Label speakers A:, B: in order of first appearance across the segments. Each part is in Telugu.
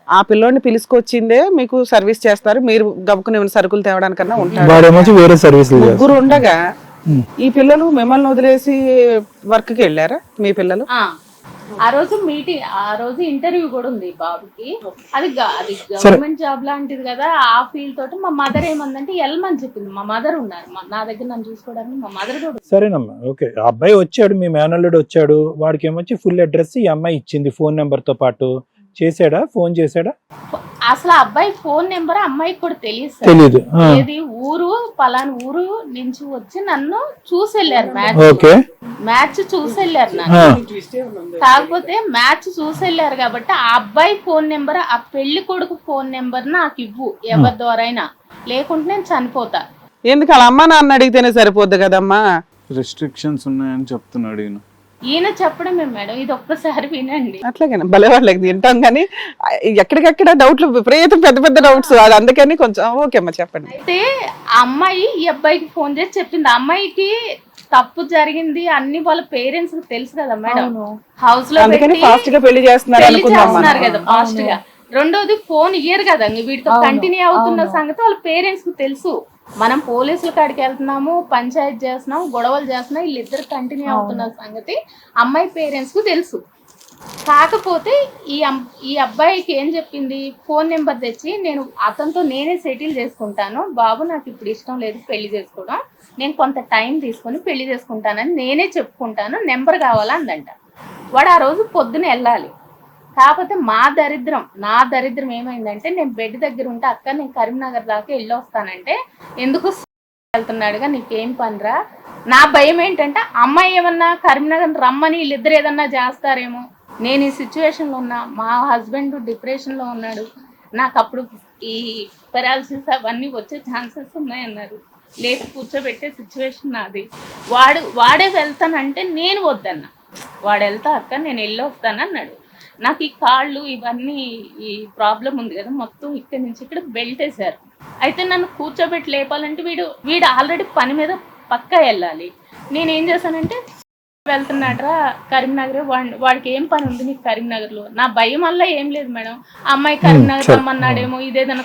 A: ఆ పిల్లోడిని పిలుచుకొచ్చిందే మీకు సర్వీస్ చేస్తారు, మీరు గబుకుని ఏమైనా సరుకులు తేవడానికన్నా ఉంటారు.
B: వాడేమో వేరే సర్వీస్
A: ముగ్గురు ఉండగా ఈ పిల్లలు మిమ్మల్ని వదిలేసి వర్క్ కి వెళ్ళారా మీ పిల్లలు?
C: ఆ రోజు మీటింగ్, ఆ రోజు ఇంటర్వ్యూ కూడా ఉంది బాబుకి. అది గవర్నమెంట్ జాబ్ లాంటిది కదా. ఆ ఫీల్ తోటి మా మదర్ ఏమందంటే వెళ్ళమని చెప్పింది. మా మదర్ ఉన్నారు నా దగ్గర, నన్ను చూసుకోవడానికి మా మదర్ కూడా.
B: సరేనమ్మా, ఓకే. ఆ అబ్బాయి వచ్చాడు, మీ మేనల్లుడు వచ్చాడు, వాడికి ఏమొచ్చి ఫుల్ అడ్రస్ ఈ అమ్మాయి ఇచ్చింది ఫోన్ నెంబర్ తో పాటు. చేసాడా, ఫోన్ చేసాడా?
C: అసలు ఆ అబ్బాయి ఫోన్ నెంబర్ అమ్మాయికి కూడా
B: తెలీదు.
C: ఏది ఊరు పలానా ఊరు నుంచి వచ్చి నన్ను చూసి వెళ్ళారు. మ్యాచ్ చూసి వెళ్ళారు నన్ను. కాకపోతే మ్యాచ్ చూసి వెళ్ళారు కాబట్టి ఆ అబ్బాయి ఫోన్ నెంబర్, ఆ పెళ్లి కొడుకు ఫోన్ నెంబర్ నాకు ఇవ్వు ఎవరి ద్వారా అయినా, లేకుంటే నేను చనిపోతా.
A: ఎందుకు అలా అమ్మా నాన్న అడిగితేనే సరిపోద్ది కదమ్మా.
D: రెస్ట్రిక్షన్స్ ఉన్నాయని చెప్తున్నాడు
C: ఈయన చెప్పడమే మేడం, ఇది ఒక్కసారి వినండి.
A: అట్లాగే భలే వాళ్ళకి తింటాం కానీ ఎక్కడికెక్కడ డౌట్లు విపరీతం పెద్ద పెద్ద డౌట్స్, అది అందుకని కొంచెం ఓకే అమ్మా చెప్పండి.
C: అయితే ఆ అమ్మాయి ఈ అబ్బాయికి ఫోన్ చేసి చెప్పింది. అమ్మాయికి తప్పు జరిగింది అన్ని వాళ్ళ పేరెంట్స్ కి తెలుసు కదా మేడం. హౌస్ లో
A: ఫాస్ట్ గా పెళ్లి చేస్తున్నారు
C: కదా ఫాస్ట్ గా. రెండోది ఫోన్ ఇయ్యరు కదా, వీటితో కంటిన్యూ అవుతున్న సంగతి వాళ్ళ పేరెంట్స్ కు తెలుసు. మనం పోలీసుల కాడికి వెళ్తున్నాము, పంచాయతీ చేస్తున్నాము, గొడవలు చేస్తున్నాం, వీళ్ళిద్దరు కంటిన్యూ అవుతున్న సంగతి అమ్మాయి పేరెంట్స్ కు తెలుసు. కాకపోతే ఈ అబ్బాయికి ఏం చెప్పింది, ఫోన్ నెంబర్ తెచ్చి నేను అతనితో నేనే సెటిల్ చేసుకుంటాను బాబు, నాకు ఇప్పుడు ఇష్టం లేదు పెళ్లి చేసుకోవడం, నేను కొంత టైం తీసుకొని పెళ్లి చేసుకుంటానని నేనే చెప్పుకుంటాను, నెంబర్ కావాలా అందంట. వాడు ఆ రోజు పొద్దున వెళ్ళాలి. కాకపోతే నా దరిద్రం ఏమైందంటే, నేను బెడ్ దగ్గర ఉంటే అక్క నేను కరీంనగర్ దాకా వెళ్ళి వస్తానంటే, ఎందుకు వెళ్తున్నాడుగా నీకేం పనిరా. నా భయం ఏంటంటే అమ్మాయి ఏమన్నా కరీంనగర్ రమ్మని వీళ్ళిద్దరు ఏదన్నా చేస్తారేమో, నేను ఈ సిచ్యువేషన్లో ఉన్నా, మా హస్బెండ్ డిప్రెషన్లో ఉన్నాడు, నాకు అప్పుడు ఈ పెరాలసిస్ అవన్నీ వచ్చే ఛాన్సెస్ ఉన్నాయన్నారు, లేచి కూర్చోబెట్టే సిచ్యువేషన్ నాది. వాడే వెళ్తానంటే నేను వద్దన్నా, వాడు వెళ్తా అక్క నేను వెళ్ళి వస్తానన్నాడు. నాకు ఈ కాళ్ళు ఇవన్నీ ఈ ప్రాబ్లం ఉంది కదా, మొత్తం ఇక్కడి నుంచి ఇక్కడ బెల్ట్ వేశారు. అయితే నన్ను కూర్చోబెట్టి లేపాలంటే వీడు ఆల్రెడీ పని మీద పక్కా వెళ్ళాలి. నేనేం చేశానంటే, వెళ్తున్నాడ్రా కరీంనగర్, వాడికి ఏం పని ఉంది నీకు కరీంనగర్లో. నా భయం వల్ల ఏం లేదు మేడం, అమ్మాయి కరీంనగర్ రమ్మన్నాడేమో, ఇదేదన్నా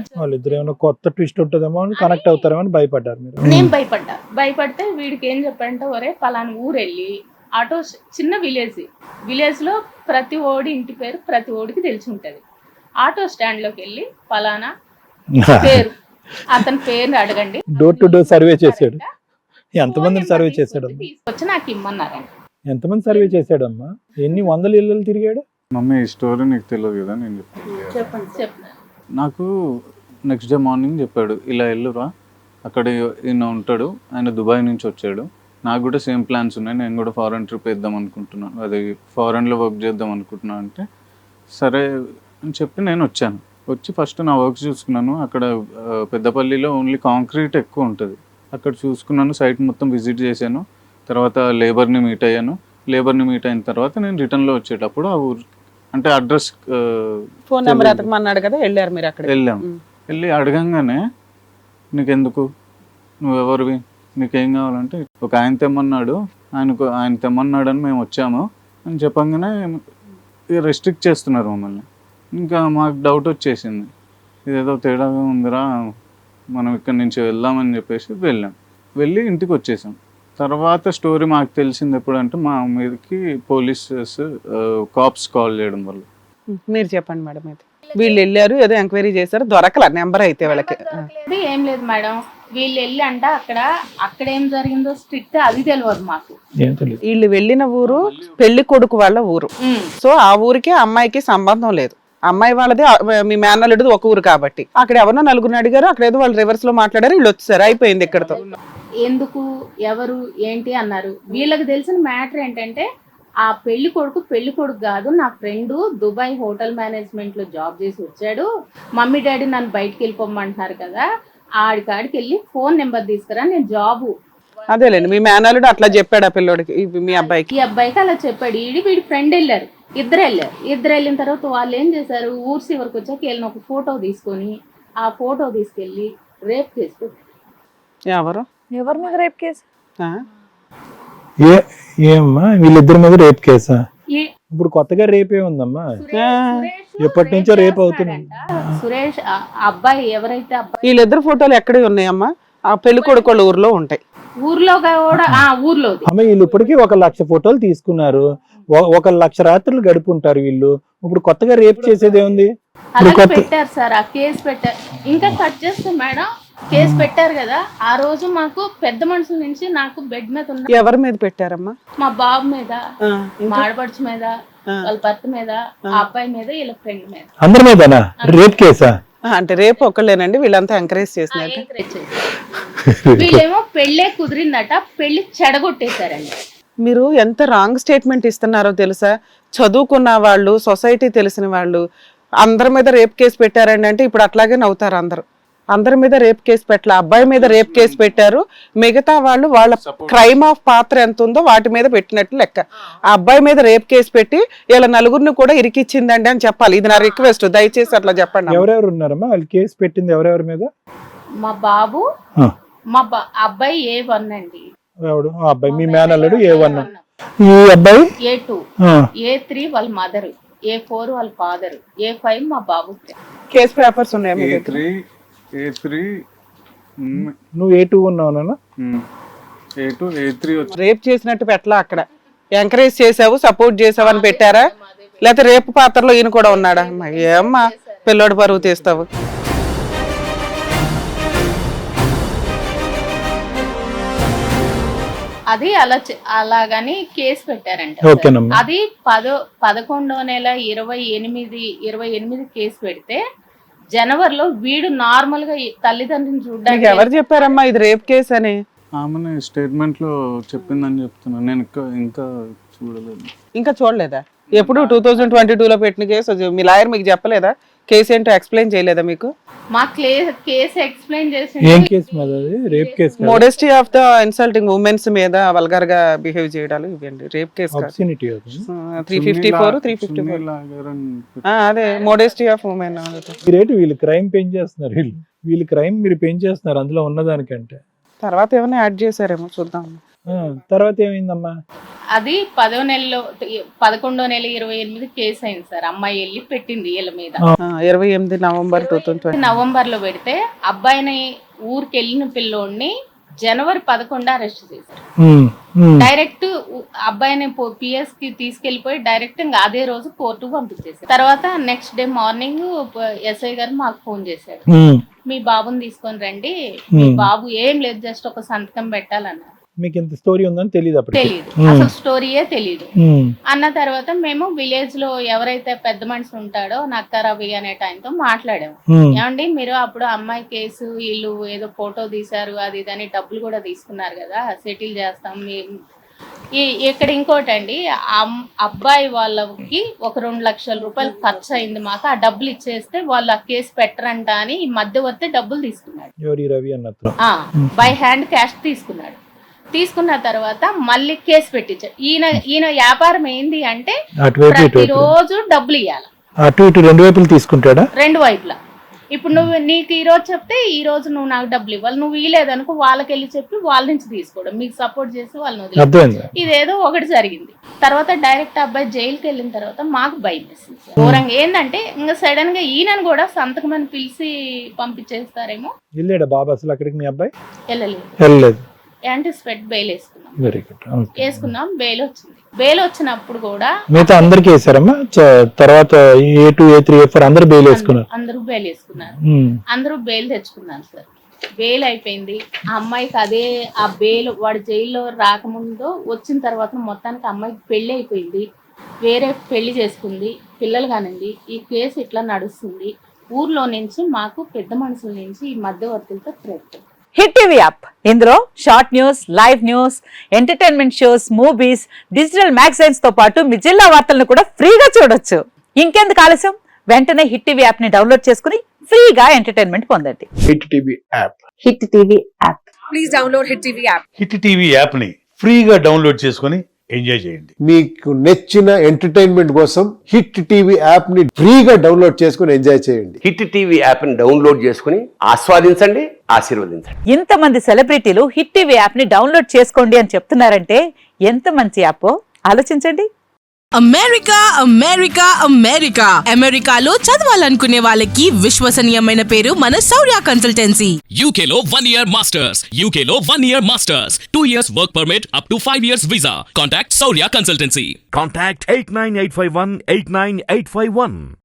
B: కొత్త ట్విస్ట్ ఉంటుందేమో అని కనెక్ట్ అవుతారేమో అని భయపడ్డారు మీరు.
C: నేను భయపడితే వీడికి ఏం చెప్పారంటే, ఒరే పలానా ఊరు వెళ్ళి ఆటో, చిన్న విలేజ్ లో ప్రతి ఓడి ఇంటి పేరు ప్రతి ఓడికి తెలిసి ఉంటది. ఆటో స్టాండ్ లోకి వెళ్ళి పలానా పేరు, అతని పేరుని అడగండి.
B: డోర్ టు డోర్ సర్వే చేశాడు. ఎంతమంది సర్వే చేశాడు?
C: తీసుకొచ్చి నాకు ఇమ్మన్నారండి.
B: ఎంతమంది సర్వే చేశాడమ్మా? ఎన్ని వందల ఇళ్ళు తిరిగాడు?
D: మమ్మీ ఈ స్టోరీ నీకు తెలియదు కదా, నేను
C: చెప్పండి.
D: నాకు నెక్స్ట్ డే మార్నింగ్ చెప్పాడు, ఇలా వెళ్ళురా అక్కడ ఈయన ఉంటాడు, ఆయన దుబాయ్ నుంచి వచ్చాడు, నాకు కూడా సేమ్ ప్లాన్స్ ఉన్నాయి, నేను కూడా ఫారెన్ ట్రిప్ వేద్దాం అనుకుంటున్నాను, అది ఫారెన్లో వర్క్ చేద్దాం అనుకుంటున్నాను అంటే సరే అని చెప్పి నేను వచ్చాను. వచ్చి ఫస్ట్ నా వర్క్ చూసుకున్నాను. అక్కడ పెద్దపల్లిలో ఓన్లీ కాంక్రీట్ ఎక్కువ ఉంటుంది, అక్కడ చూసుకున్నాను, సైట్ మొత్తం విజిట్ చేశాను. తర్వాత లేబర్ని మీట్ అయ్యాను. లేబర్ని మీట్ అయిన తర్వాత నేను రిటర్న్లో వచ్చేటప్పుడు ఆ ఊరు అంటే అడ్రస్
A: ఫోన్ నెంబర్ అతకమన్నాడు కదా, వెళ్ళారు మీరు అక్కడ?
D: వెళ్ళాము. వెళ్ళి అడగంగానే నీకెందుకు, నువ్వెవరివి, నీకేం కావాలంటే, ఒక ఆయన తెమ్మన్నాడు, ఆయన తెమ్మన్నాడని మేము వచ్చాము అని చెప్పంగానే రెస్ట్రిక్ట్ చేస్తున్నారు మమ్మల్ని. ఇంకా మాకు డౌట్ వచ్చేసింది, ఇదేదో తేడాగా ఉందిరా, మనం ఇక్కడి నుంచి వెళ్దామని చెప్పేసి వెళ్ళి ఇంటికి వచ్చేసాం. తర్వాత స్టోరీ మాకు తెలిసింది ఎప్పుడంటే, మా మీదకి పోలీసెస్ కాప్స్ కాల్ చేయడం వల్ల.
A: మీరు చెప్పండి మేడం. అయితే వీళ్ళు వెళ్ళారు, ఏదో ఎంక్వైరీ చేశారు, దొరకల నెంబర్ అయితే వాళ్ళకి
C: ఏం లేదు మేడం. వీళ్ళు వెళ్ళి అంట అక్కడ ఏం జరిగిందో స్ట్రిక్ట్ అది తెలియదు మాకు.
A: వీళ్ళు వెళ్ళిన ఊరు పెళ్లి కొడుకు వాళ్ళ ఊరు, సో ఆ ఊరికి అమ్మాయికి సంబంధం లేదు. అమ్మాయి వాళ్ళది మీ మేనల్లుడిది ఒక ఊరు కాబట్టి అక్కడ ఎవరో నలుగురిని అడిగారు, అక్కడ ఏదో వాళ్ళు రివర్స్ లో మాట్లాడారు, వీళ్ళు వచ్చారు, అయిపోయింది ఇక్కడతో.
C: ఎందుకు ఎవరు ఏంటి అన్నారు. వీళ్ళకి తెలిసిన మ్యాటర్ ఏంటంటే, ఆ పెళ్లి కొడుకు కాదు, నా ఫ్రెండ్ దుబాయ్ హోటల్ మేనేజ్మెంట్ లో జాబ్ చేసి వచ్చాడు, మమ్మీ డాడీ నన్ను బయటకు వెళ్ళిపోమంటున్నారు కదా, ఆడికాడికి వెళ్ళి ఫోన్ నెంబర్ తీసుకురా, నేను జాబు.
A: అదేలేండి, మీ మేనల్లుడు అట్లా చెప్పాడు ఆ పిల్లోడికి, మీ అబ్బాయికి.
C: ఈ అబ్బాయికి అలా చెప్పాడు. వీడి ఫ్రెండ్ వెళ్ళారు, ఇద్దరు వెళ్ళిన తర్వాత వాళ్ళు ఏం చేశారు, ఊరు చివరికి వచ్చాక వీళ్ళని ఒక ఫోటో తీసుకొని ఆ ఫోటో తీసుకెళ్ళి రేప్ కేసు.
E: ఎవరి మీద రేప్ కేసు?
B: ఏమ్మా వీళ్ళిద్దరి మీద రేప్ కేసా? ఇప్పుడు కొత్తగా రేపే ఉందమ్మా. ఎప్పటి నుంచో రేపు అవుతుంది.
C: సురేష్ ఆ అబ్బాయి ఎవరైతే అబ్బాయి
A: వీళ్ళిద్దరు ఫోటోలు ఎక్కడే ఉన్నాయమ్మా? ఆ పెళ్లి కొడుకు వాళ్ళ ఊర్లో ఉంటాయి.
C: ఊర్లో కూడా ఊర్లోది.
B: అమ్మ వీళ్ళు ఇప్పటికీ 1,00,000 ఫోటోలు తీసుకున్నారు. 1,00,000 రాత్రులు గడుపుంటారు వీళ్ళు. ఇప్పుడు కొత్తగా రేపు చేసేది ఏముంది?
C: అలాగే పెట్టారు సార్, ఆ కేసు పెట్టారు. ఇంకా కట్ చేస్తే మేడం కేసు పెట్టారు కదా, ఆ రోజు మాకు పెద్ద మనుషుల నుంచి నాకు బెడ్ మీద ఉన్న
A: ఎవరి మీద పెట్టారమ్మా?
C: మా బాబు మీద,
A: ఆ,
C: మా ఆడపడుచు మీద, వాళ్ళ భర్త మీద, ఆ అబ్బాయి మీద, వీళ్ళ ఫ్రెండ్ మీద.
B: అందరి మీదనా రేప్ కేసా?
A: అంటే రేపు ఒక్కలేనండి, వీళ్ళంతా ఎంకరేజ్ చేసినట్టు.
C: ఎంకరేజ్ చేశారు. వీళ్ళేమో పెళ్ళే కుదిరిందట, పెళ్లి చెడగొట్టేశారండి.
A: మీరు ఎంత రాంగ్ స్టేట్మెంట్ ఇస్తున్నారో తెలుసా? చదువుకున్న వాళ్ళు, సొసైటీ తెలిసిన వాళ్ళు అందరి మీద రేప్ కేసు పెట్టారండి అంటే ఇప్పుడు అట్లాగే నవ్వుతారు అందరు. అందరి మీద రేప్ కేసు పెట్టాల, అబ్బాయి మీద రేప్ కేసు పెట్టారు. మిగతా వాళ్ళు వాళ్ళ క్రైమ్ ఆఫ్ పాత్ర ఎంత ఉందో వాటి మీద పెట్టినట్టు లెక్క. ఆ అబ్బాయి మీద రేప్ కేసు పెట్టి ఇలా నలుగురిని కూడా ఇరికిచ్చిందండి అని చెప్పాలి. ఇది నా రిక్వెస్ట్, దయచేసి అట్లా చెప్పండి.
B: ఎవరెవరు ఉన్నారమ్మా వాళ్ళు కేసు పెట్టింది? ఎవరెవరి మీద?
C: మా బాబు, అబ్బాయి A1 అండి.
B: ఎవడు? ఆ అబ్బాయి మీ మేనల్లుడు A1. ఈ అబ్బాయి
C: A2, A3 వాళ్ళ మదర్, A4 వాళ్ళ ఫాదర్, A5 మా బాబు.
A: కేసు పేపర్స్ ఉన్నాయి మీ దగ్గర?
D: A3
B: నువ్వు A2 ఉన్నావునా?
D: A2 A3 వచ్చి
A: రేప్ చేసినట్టు పెట్టలా, అక్కడ ఎంకరేజ్ చేసావు, సపోర్ట్ చేసావు అని పెట్టారా? లేకపోతే రేపు పాత్రలో ఈయన కూడా ఉన్నాడా? ఏమ్మా పిల్లోడు పరువు తీస్తావు?
C: అది అలాగని కేసు పెట్టారంట.
B: ఓకేనమ్మా.
C: అది 11వ నెల 28 కేసు పెడితే జనవరిలో వీడు నార్మల్ గా తల్లిదండ్రులను
A: నీకు
C: చూడడానికి
A: ఎవరు చెప్పారమ్మా ఇది రేప్ కేసు అని?
D: ఆమె స్టేట్మెంట్ లో చెప్పిందని చెప్తున్నాను. నేను ఇంకా చూడలేదు.
A: ఇంకా చూడలేదా? ఎప్పుడు 2022లో పెట్టిన కేసు మీ లాయర్ మీకు చెప్పలేదా? కేసు ఏంటో ఎక్స్ప్లెయిన్ చేయలేదా మీకు?
C: మా కేసు ఎక్స్ప్లెయిన్ చేసి
B: ఏం కేసు మీద? అది rape case.
A: Modesty of the insulting womens మీద వల్గర్ గా బిహేవ్ చేయడాలు ఇవ్వండి రేప్ కేసు. 354 354 అదే మోడెస్టీ ఆఫ్ ఉమెన్.
B: రేటు వీళ్ళు క్రైమ్ పెంచేస్తున్నారు. వీళ్ళు క్రైమ్ మీరు పెంచేస్తున్నారు అందులో ఉన్నదానికంటే.
A: తర్వాత ఏమైనా యాడ్ చేశారేమో చూద్దాం.
B: తర్వాత ఏమైందమ్మా?
C: అది 11వ నెల 28 కేసు అయింది సార్. అమ్మాయి వెళ్ళి పెట్టింది వీళ్ళ మీద.
A: 28 నవంబర్ 2020
C: నవంబర్ లో పెడితే అబ్బాయిని ఊరికి వెళ్ళిన పిల్లోడిని జనవరి 11 అరెస్ట్ చేశారు. డైరెక్ట్ అబ్బాయిని PS కి తీసుకెళ్లిపోయి డైరెక్ట్ ఇంకా అదే రోజు కోర్టుకు పంపించేసారు. తర్వాత నెక్స్ట్ డే మార్నింగ్ SI గారు మాకు ఫోన్ చేశాడు, మీ బాబుని తీసుకొని రండి, మీ బాబు ఏం లేదు జస్ట్ ఒక సంతకం పెట్టాలన్నారు.
B: మీకు ఇంత స్టోరీ ఉందని తెలియదు? అప్పుడు
C: తెలియదు, అసలు స్టోరీయే తెలియదు. అన్న తర్వాత మేము విలేజ్ లో ఎవరైతే పెద్ద మనిషి ఉంటాడో నక్క రవి అనే టైంతో మాట్లాడాము. ఏమండి మీరు అప్పుడు అమ్మాయి కేసు వీళ్ళు ఏదో ఫోటో తీశారు అది ఇదని డబ్బులు కూడా తీసుకున్నారు కదా, సెటిల్ చేస్తాం. ఇక్కడ ఇంకోటండి, అబ్బాయి వాళ్ళకి ఒక 2 లక్షల రూపాయలు ఖర్చు అయింది మాకు, ఆ డబ్బులు ఇచ్చేస్తే వాళ్ళు ఆ కేసు పెట్టరంట అని ఈ మధ్యవర్తి డబ్బులు తీసుకున్నాడు. బై హ్యాండ్ క్యాష్ తీసుకున్నాడు. తీసుకున్న తర్వాత మళ్ళీ కేసు పెట్టించాడు. ఈయన వ్యాపారం ఏంది అంటే ప్రతిరోజు డబ్బులు ఇవ్వాలి.
B: అటు ఇటు 2 వైపులు తీసుకుంటాడా?
C: 2 వైపులా. ఇప్పుడు నీకు ఈ రోజు చెప్తే ఈ రోజు నువ్వు నాకు డబ్బులు ఇవ్వాలి, నువ్వు ఇవ్వలేదనుకో వాళ్ళకి వెళ్ళి చెప్పి వాళ్ళ నుంచి తీసుకోవడం, మీకు సపోర్ట్ చేసి వాళ్ళని వదిలేదు. ఇదేదో ఒకటి జరిగింది. తర్వాత డైరెక్ట్ అబ్బాయి జైలుకి వెళ్ళిన తర్వాత మాకు భయం వేసింది. ఘోరంగా ఏంటంటే ఇంకా సడన్ గా ఈయనను కూడా సంతకమని పిలిచి పంపించేస్తారేమో.
B: వెళ్ళాడా బాబు అసలు అక్కడికి? మీ అబ్బాయి
C: వెళ్ళలేదు. యాంటిసిపేట్ బెయిల్ వేసుకున్నాం. బెయిల్ వచ్చింది. బెయిల్ వచ్చినప్పుడు కూడా
B: మిగతా అందరికి వేసారమ్మా. తర్వాత A2 A3 A4 అందరూ బెయిల్ వేసుకున్నారు.
C: అందరూ బెయిల్ తెచ్చుకున్నారు సార్. బెయిల్ అయిపోయింది. ఆ అమ్మాయికి ఆ బెయిల్ వాడు జైల్లో రాకముందు వచ్చిన తర్వాత మొత్తానికి అమ్మాయికి పెళ్లి అయిపోయింది, వేరే పెళ్లి చేసుకుంది, పిల్లలు కానింది. ఈ కేసు ఇట్లా నడుస్తుంది. ఊర్లో నుంచి మాకు పెద్ద మనుషుల నుంచి ఈ మధ్యవర్తులతో థ్రెట్.
E: హిట్ టీవీ యాప్, ఇందులో short news, live news, entertainment shows, movies, digital magazines తో పాటు మీ జిల్లా వార్తలను కూడా ఫ్రీగా చూడొచ్చు. ఇంకెందుకు ఆలస్యం, వెంటనే హిట్ టీవీ యాప్ ని డౌన్లోడ్ చేసుకుని ఫ్రీగా ఎంటర్టైన్మెంట్ పొందండి.
F: Hit TV app.
E: Hit TV app.
G: Please download hit TV app.
F: Hit TV app ని ఫ్రీగా డౌన్లోడ్ చేసుకొని ఎంజాయ్ చేయండి.
H: మీకు నచ్చిన ఎంటర్టైన్మెంట్ కోసం హిట్ టీవీ యాప్ ని ఫ్రీగా డౌన్లోడ్ చేసుకుని ఎంజాయ్ చేయండి.
I: హిట్ టీవీ యాప్ ని డౌన్లోడ్ చేసుకుని ఆస్వాదించండి, ఆశీర్వదించండి.
E: ఇంతమంది సెలబ్రిటీలు హిట్ టీవీ యాప్ ని డౌన్లోడ్ చేసుకోండి అని చెప్తున్నారంటే ఎంత మంచి యాప్ ఆలోచించండి.
J: అమెరికా అమెరికా అమెరికా అమెరికాలో చదవాలనుకునే వాళ్ళకి విశ్వసనీయమైన పేరు మన శౌర్య కన్సల్టెన్సీ.
K: UK లో 1 year masters. UK లో 1 year masters. 2 years work permit up to 5 years visa. Contact Saurya Consultancy.
L: Contact 89851 89851.